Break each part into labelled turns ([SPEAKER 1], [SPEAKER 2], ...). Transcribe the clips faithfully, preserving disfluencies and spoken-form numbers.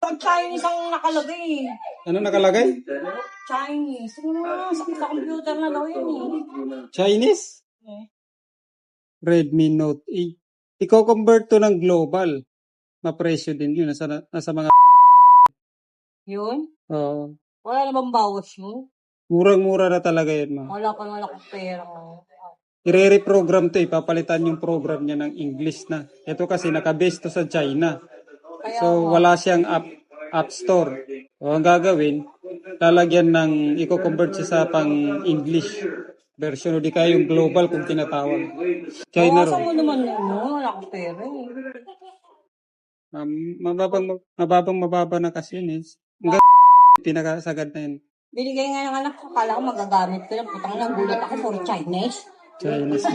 [SPEAKER 1] Chinese ang nakalagay.
[SPEAKER 2] Ano nakalagay?
[SPEAKER 1] Chinese. Ano na, sakit sa computer na daw yun eh.
[SPEAKER 2] Chinese?
[SPEAKER 1] Eh.
[SPEAKER 2] Redmi Note eight. Iko-convert to ng global. Mapresyo din yun. Nasa, nasa mga...
[SPEAKER 1] Yun?
[SPEAKER 2] Oo.
[SPEAKER 1] Wala na bang bawas mo?
[SPEAKER 2] Murang-mura na talaga yun, ma.
[SPEAKER 1] Wala pa naman akong pera.
[SPEAKER 2] I-reprogram to, ipapalitan yung program niya ng English na. Ito kasi nakabase to sa China.
[SPEAKER 1] Kaya
[SPEAKER 2] So,
[SPEAKER 1] nga.
[SPEAKER 2] wala siyang app, app store. So, ang gagawin, lalagyan ng, i-convert siya sa pang English version o di kaya yung global kung tinatawag. China
[SPEAKER 1] Bawasan
[SPEAKER 2] ro.
[SPEAKER 1] mo naman yun, no? Wala akong pera eh.
[SPEAKER 2] Um, mababang, mababang mababa na kasi yun eh. Hanggang pinakasagad na yun.
[SPEAKER 1] Binigay nga ng anak ko, kala ko magagamit ko lang. Putang na, gulat ako for Chinese.
[SPEAKER 2] Chinese.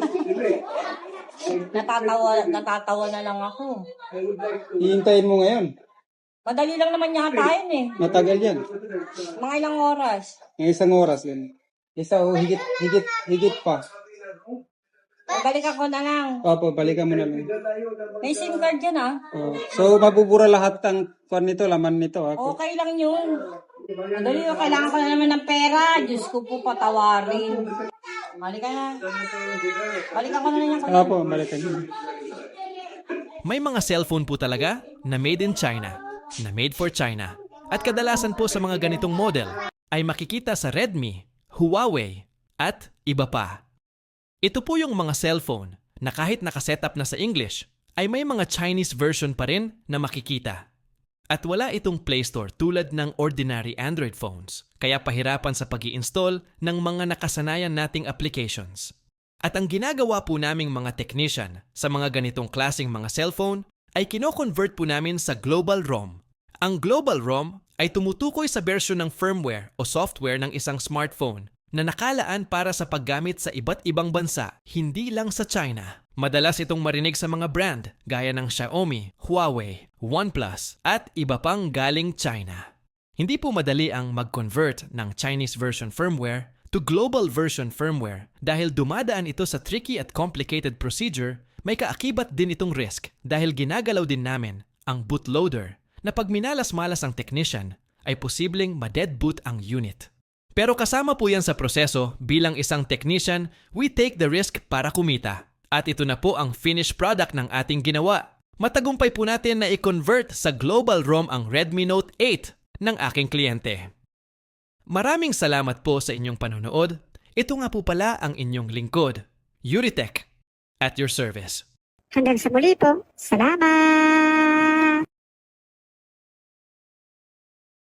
[SPEAKER 1] Natatawa, natatawa na lang ako.
[SPEAKER 2] Hihintayin mo ngayon.
[SPEAKER 1] Madali lang naman yata yun eh.
[SPEAKER 2] Matagal yan.
[SPEAKER 1] Mga ilang oras.
[SPEAKER 2] Ng isang oras yan. Isa o higit, higit, higit pa.
[SPEAKER 1] Balik ako na lang.
[SPEAKER 2] Opo, balikan mo na lang.
[SPEAKER 1] May SIM card yan ah.
[SPEAKER 2] Oh. So, mabubura lahat ng kwan nito, laman nito. Ako.
[SPEAKER 1] Okay lang yun. Madali yun, kailangan ko na naman ng pera. Diyos ko po patawarin. Balik ka na. Balikan ko na lang yan.
[SPEAKER 2] Opo, balikan nyo.
[SPEAKER 3] May mga cellphone po talaga na made in China, na made for China. At kadalasan po sa mga ganitong model ay makikita sa Redmi, Huawei, at iba pa. Ito po yung mga cellphone na kahit nakasetup na sa English, ay may mga Chinese version pa rin na makikita. At wala itong Play Store tulad ng ordinary Android phones, kaya pahirapan sa pag-i-install ng mga nakasanayan nating applications. At ang ginagawa po naming mga technician sa mga ganitong klaseng mga cellphone ay kino-convert po namin sa Global ROM. Ang Global ROM ay tumutukoy sa version ng firmware o software ng isang smartphone na nakalaan para sa paggamit sa iba't ibang bansa, hindi lang sa China. Madalas itong marinig sa mga brand gaya ng Xiaomi, Huawei, OnePlus at iba pang galing China. Hindi po madali ang mag-convert ng Chinese version firmware to global version firmware dahil dumadaan ito sa tricky at complicated procedure. May kaakibat din itong risk dahil ginagalaw din namin ang bootloader na pag minalas-malas ang technician ay posibleng ma-dead boot ang unit. Pero kasama po yan sa proseso bilang isang technician, we take the risk para kumita. At ito na po ang finished product ng ating ginawa. Matagumpay po natin na i-convert sa Global ROM ang Redmi Note eight ng aking kliyente. Maraming salamat po sa inyong panonood. Ito nga po pala ang inyong lingkod, Yuritech, at your service.
[SPEAKER 4] Hanggang sa muli po. Salamat!